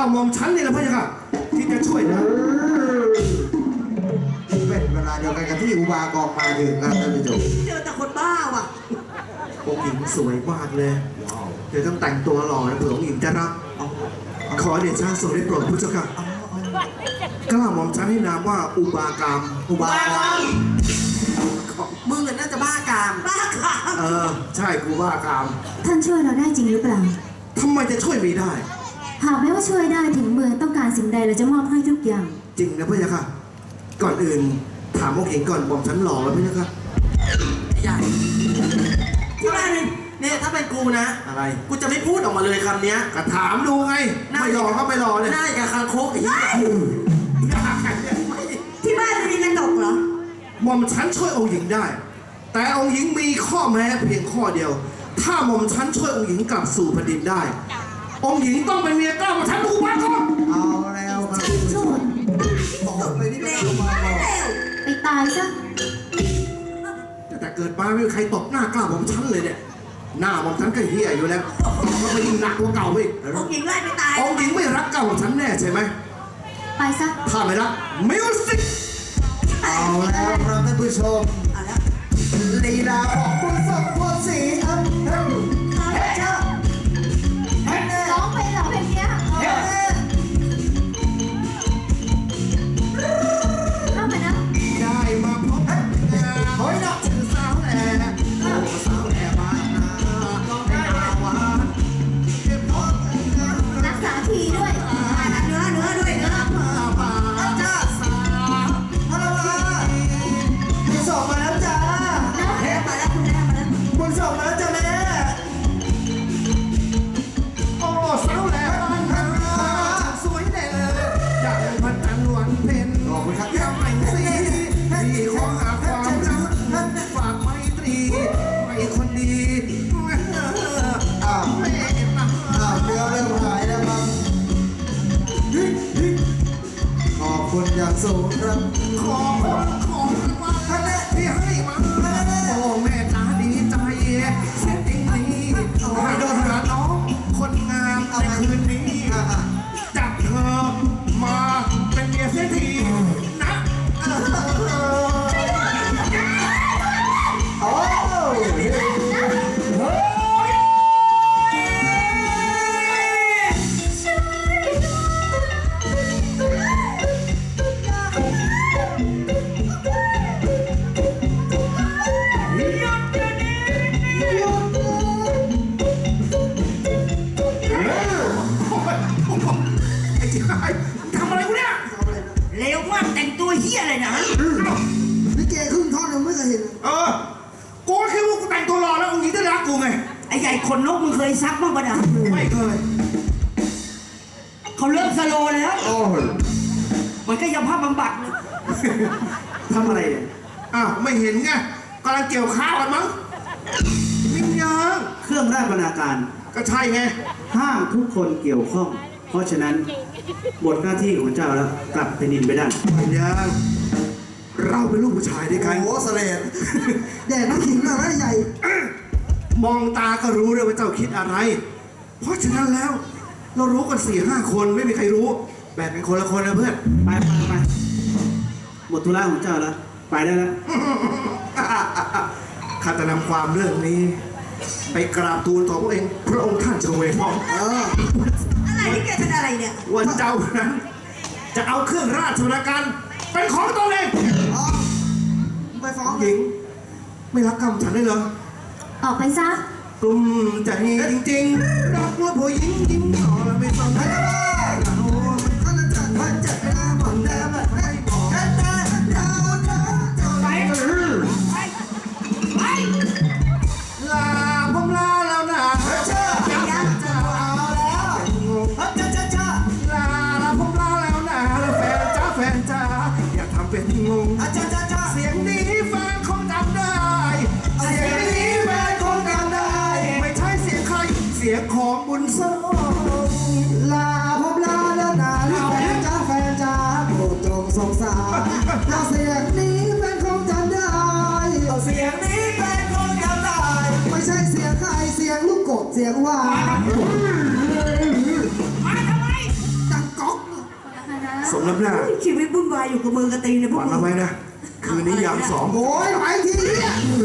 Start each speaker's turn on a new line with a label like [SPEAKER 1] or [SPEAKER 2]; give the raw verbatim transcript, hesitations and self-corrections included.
[SPEAKER 1] หม่อมฉันนี่แหละพะยะค่ะที่จะช่วยนะ
[SPEAKER 2] เป็นเวลาเดียวกันกับที่อุบากองมาถึงครับท่านผู้ชม
[SPEAKER 3] เจอแต่คนบ้าว่ะ
[SPEAKER 1] องค์หญิงสวยมากเลยเดี๋ยวต้องแต่งตัวหล่อนะเผื่อองค์หญิงจะรับขอเดชะทรงได้โปรดพระเจ้าค่ะกล้าหม่อมฉันให้นามว่าอุบากาม
[SPEAKER 2] อุบากอง
[SPEAKER 3] มึงน่าจะบ้ากามบ้ากาม
[SPEAKER 1] เออใช่กูว่ากาม
[SPEAKER 4] ท่านช่วยเราได้จริงหรือเปล่า
[SPEAKER 1] ทำไมจะช่วยไม่ได้
[SPEAKER 4] หากแม้ว่าช่วยได้ถึงเมืองต้องการสิ่งใดเราจะมอบให้ทุกอย่าง
[SPEAKER 1] จริงนะพะยะค่ะก่อนอื่นถามองค์หญิงก่อนหม่อมฉันหล่อแล้วพะยะค่ะ
[SPEAKER 3] ใหญ่ที่บ้านนี่เนี่ยถ้าเป็นกูนะ
[SPEAKER 1] อะไร
[SPEAKER 3] กูจะไม่พูดออกมาเลยคำเนี้ย
[SPEAKER 1] ก็ถามดูไงไม่หล่อก็ไม่หล่อเลย
[SPEAKER 3] หน้าอย่างกับคางคกไอ้เหี้ย
[SPEAKER 4] ที่บ้านมีกระจกเหรอ
[SPEAKER 1] หม่อมฉันช่วยองค์หญิงได้ แต่องค์หญิงมีข้อแม้เพียงข้อเดียว ถ้าหม่อมฉันช่วยองค์หญิงกลับสู่แผ่นดินได้ องค์หญิงต้องเป็นเมียเก้าหม่อมฉันอุบาก่อน
[SPEAKER 2] เอาแล้วครับ
[SPEAKER 4] ช่วย
[SPEAKER 2] บอกเลยนี่เป็นอุบากอง
[SPEAKER 4] ไปตายซะ
[SPEAKER 1] แต่เกิดมาไม่มีใครตบหน้ากล้าหม่อมฉันเลยเนี่ยหน้าหม่อมฉันก็เหี้ยอยู่แล้วมันไปยิ่งหนักกว่าเก่าไปอีก
[SPEAKER 3] องค์หญิงไล่ไปตาย
[SPEAKER 1] องค์หญิงไม่รักเก้าหม่อมฉันแน่ใช่ไหม
[SPEAKER 4] ไปซะ
[SPEAKER 1] ถ้าไม่รักมิวสิก
[SPEAKER 2] เอาแล้วครับท่านผู้ชม
[SPEAKER 3] เอาละ
[SPEAKER 2] ลีลาของคุณสมพรศรีอัมเฮ้ยเจ้าเฮ้ย
[SPEAKER 4] ร้องไปเหรอเพลงเนี้ย
[SPEAKER 2] เฮ้ย
[SPEAKER 4] เข้ามานะ
[SPEAKER 1] ได้มาพบกันเฮ้ยนะชื่อสาวแหล่โอ้สาวแหล่บ้านนาได้มาวานเก็บพบกัน
[SPEAKER 4] รักษาทีด้วย
[SPEAKER 3] เนื้อเนื้อด้วยเนื้อ
[SPEAKER 1] มาป่าจ้าสาว
[SPEAKER 2] ฮัลโหลคุณส่งมาแล้วจ้า
[SPEAKER 3] แม่มาแล้วคุณแม่มาแล้ว
[SPEAKER 2] คุณส่งมาแล้วจ้าแม่
[SPEAKER 1] โอ้สาวแหล่บ้านนาสวยแน่อย่างพระจันทร์วันเพ็ญ
[SPEAKER 2] ขอบคุณครับ
[SPEAKER 1] ยามไม่สีที่ขอหาความรักฝากไมตรีให้คนดี
[SPEAKER 2] อ้าว
[SPEAKER 1] เมตตา
[SPEAKER 2] อ้าวเรือเริ่มหายแล้วครับขอบคุณอย่างสูงครับ
[SPEAKER 1] ขอคนของมาที่ให้มาโอ้แม่ตาดีใจเสียจริงนี้ให้โดนหาน้องคนงามในคืนนี้
[SPEAKER 2] อ่ะอ่ะ
[SPEAKER 1] จับเธอมาเป็นเมียเสียทีนะเออ
[SPEAKER 2] โอ้
[SPEAKER 1] ไอ้ที่ไอ้ทำอะไรกูเนี่ย
[SPEAKER 3] เร็วมากแต่งตัวเหี้ยเลยนะ
[SPEAKER 2] ลิเกครึ่งท่อนยังไม่เคยเห็น
[SPEAKER 1] เออกูก็คิดว่ากูแต่งตัวรอแล้วองค์หญิงจะรักกูไง
[SPEAKER 3] ไอ้ใหญ่ขนนกมึงเคยซักบ้างปะนะ
[SPEAKER 1] ไม่เคย
[SPEAKER 3] เขาเลิกสโลว์แล้ว
[SPEAKER 2] โอ้ย
[SPEAKER 3] มันก็ยังภาพบำบัดเลย
[SPEAKER 1] ทำอะไรเนี่ยอ้าวไม่เห็นไงกำลังเกี่ยวข้าวกันมั้งมิงยัง
[SPEAKER 5] เครื่องราชบรรณาการ
[SPEAKER 1] ก็ใช่ไง
[SPEAKER 5] ห้ามทุกคนเกี่ยวข้อง เพราะฉะนั้นบทหน้าที่ของเจ้าแล้วกลับแผ่นดินไปได้
[SPEAKER 1] มิงยังเราเป็นลูกผู้ชายด้วยกัน
[SPEAKER 2] โอ้โหเสลดแดดน้ำขิงมาแล้วใหญ่
[SPEAKER 1] มองตาก็รู้เลยว่าเจ้าคิดอะไร เพราะฉะนั้นแล้ว เรารู้กันสี่ห้าคนไม่มีใครรู้ แบ่งเป็นคนละคนนะเพื่อน
[SPEAKER 5] ไปไปไปหมดธุระของเจ้าแล้ว ไปได้แล้ว
[SPEAKER 1] ข้าจะนำความเรื่องนี้ ไปกราบทูลต่อพระเองพระองค์ท่านเฉวยพอง
[SPEAKER 2] เออ
[SPEAKER 3] อะไรนี่แกเป็นอะไรเนี่ย
[SPEAKER 1] ว่าเจ้านั้น จะเอาเครื่องราชบรรณาการเป็นของตนเอง
[SPEAKER 2] อ๋อไปฟ้อง
[SPEAKER 1] หญิง ไม่รักกำฉันได้เหรอ
[SPEAKER 4] ออกไปซะ
[SPEAKER 1] กลุ่มใจจริงๆรักว่าผู้หญิงยิ้มต่อแล้วไม่สนใจเรามันก็จะจัดพันจัดหน้าหมอนแดงไม่บอกกันได้ดาวดาวไปไปลาผมลาแล้วนะเจ้ายังจะเอาแล้วเจ้าเจ้าเจ้าลาลาผมลาแล้วนะแล้วแฟนจ้าแฟนจ้าอย่าทำเป็นงงเจ้าเจ้าเจ้าเสียงนี้แฟนคงจำได้เสียงนี้แฟนคงจำได้ไม่ใช่เสียงใครเสียงของบุญส่ง
[SPEAKER 2] ลาผมลาแล้วนะแฟนจ้าแฟนจ้าโปรดจงสงสารเราเสียงนี้แฟนคงจำได้เสียงนี้แฟนคงจำได้ไม่ใช่เสียงใครเสียงลูกกบเสียงหวาน
[SPEAKER 3] มาทำไม
[SPEAKER 2] จัง
[SPEAKER 1] สมน้ำหน้า
[SPEAKER 3] ชีวิตวุ่นวายอยู่กับมือกระตีเนี่ยพวก
[SPEAKER 1] ฝัน
[SPEAKER 3] มึ
[SPEAKER 1] เอา
[SPEAKER 3] ง
[SPEAKER 1] ไว้นะ คืนนี้ยามสอง
[SPEAKER 2] โอ้ยไปทีเนี่ย